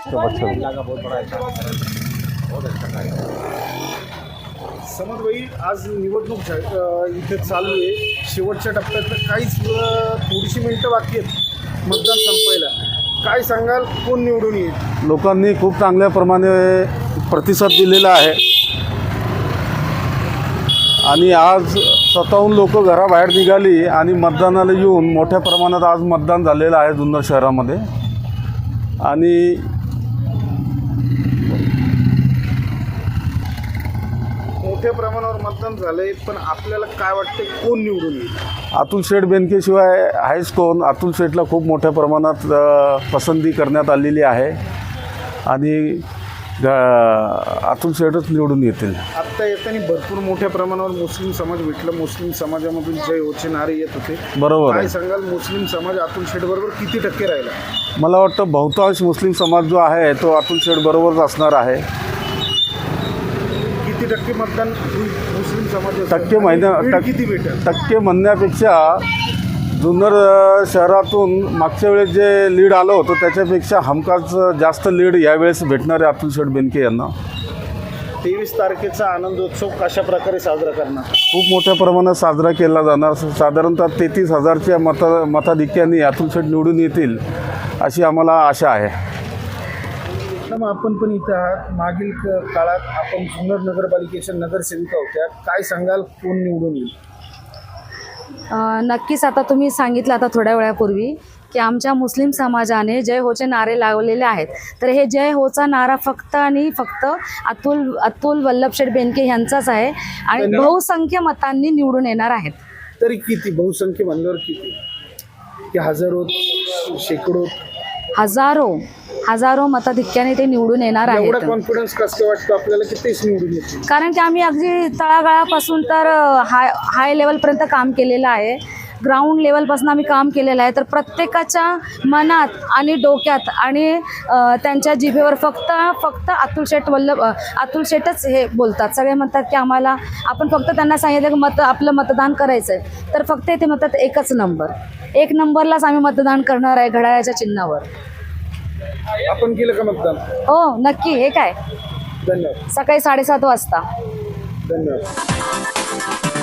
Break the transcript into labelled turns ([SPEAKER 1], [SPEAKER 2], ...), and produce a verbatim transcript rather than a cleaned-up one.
[SPEAKER 1] समज भाई आज निवडणूक इथे चालू आहे, शेवटच्या टप्प्यात काहीच थोडीशी मिनिटं बाकी आहेत मतदान संपायला. काय सांगाल, कोण निवडून येईल?
[SPEAKER 2] लोकांनी खूप चांगल्या प्रमाणे प्रतिसाद दिलेला आहे आणि आज स्वतःहून लोक घराबाहेर निघाली आणि मतदानाला येऊन मोठ्या प्रमाणात आज मतदान झालेलं आहे जुन्नर शहरामध्ये. आणि
[SPEAKER 1] मोठ्या प्रमाणावर मतदान झालंय, पण आपल्याला काय वाटतं कोण निवडून येईल?
[SPEAKER 2] अतुल शेठ बेनकेशिवाय आहेच कोण. अतुल शेठला खूप मोठ्या प्रमाणात पसंती करण्यात आलेली आहे आणि अतुल शेठच निवडून येतील.
[SPEAKER 1] आत्ता येताना भरपूर मोठ्या प्रमाणावर मुस्लिम समाज भेटला. मुस्लिम समाजामधून जय होचे नारे येत होते.
[SPEAKER 2] बरोबर.
[SPEAKER 1] काय सांगाल, मुस्लिम समाज अतुल शेठ बरोबर किती टक्के राहिला?
[SPEAKER 2] मला वाटतं बहुतांश मुस्लिम समाज जो आहे तो अतुल शेठ बरोबरच असणार आहे.
[SPEAKER 1] किती टक्के मतदान मुस्लिम समाज?
[SPEAKER 2] टक्के महिन्या
[SPEAKER 1] किती भेटेल?
[SPEAKER 2] टक्के म्हणण्यापेक्षा जुन्नर शहरातून मागच्या वेळेस जे लीड आलं होतं त्याच्यापेक्षा हमखास जास्त लीड यावेळेस भेटणार आहे अतुल शेठ बेनके यांना.
[SPEAKER 1] तेवीस तारखेचा आनंदोत्सव कशा प्रकारे साजरा करणार?
[SPEAKER 2] खूप मोठ्या प्रमाणात साजरा केला जाणार. साधारणतः तेहतीस हजारच्या मता मताधिक्याने अतुल शेठ निवडून येतील अशी आम्हाला आशा आहे.
[SPEAKER 1] मग आपण पण इथं आहात. मागील काळात आपण जुन्नर नगरपालिकेच्या नगरसेविका होत्या. काय सांगाल, कोण निवडून येईल?
[SPEAKER 3] नक्कीच. आता तुम्ही सांगितलं आता थोड्या वेळापूर्वी की आमच्या मुस्लिम समाजाने जय होचे नारे लावलेले आहेत. तर हे जय होचा नारा फक्त आणि फक्त अतुल अतुल वल्लभशेठ बेनके यांचाच आहे आणि बहुसंख्य मतांनी निवडून येणार आहेत.
[SPEAKER 1] तरी किती बहुसंख्य म्हणल्यावर किती? की हजारो, शेकडो?
[SPEAKER 3] हजारो हजारो मताधिक्याने ते निवडून येणार आहेत.
[SPEAKER 1] एवढा कॉन्फिडन्स कसं वाटतं आपल्याला की तेच निवडून येतील?
[SPEAKER 3] कारण की आम्ही अगदी तळागाळापासून तर हाय हाय लेवलपर्यंत काम केलेलं आहे. ग्राउंड लेवलपासून आम्ही काम केलेलं आहे. तर प्रत्येकाच्या मनात आणि डोक्यात आणि त्यांच्या जिभेवर फक्त फक्त अतुल शेठ वल्लभ अतुल शेठच हे बोलतात. सगळे म्हणतात की आम्हाला, आपण फक्त त्यांना सांगितलं की मत आपलं मतदान करायचं आहे तर फक्त ते म्हणतात एकच नंबर, एक नंबरलाच आम्ही मतदान करणार आहे घड्याळाच्या चिन्हावर.
[SPEAKER 1] आपण केलं का मतदान?
[SPEAKER 3] हो नक्की. हे काय,
[SPEAKER 1] धन्यवाद.
[SPEAKER 3] सकाळी साडेसात वाजता.
[SPEAKER 1] धन्यवाद.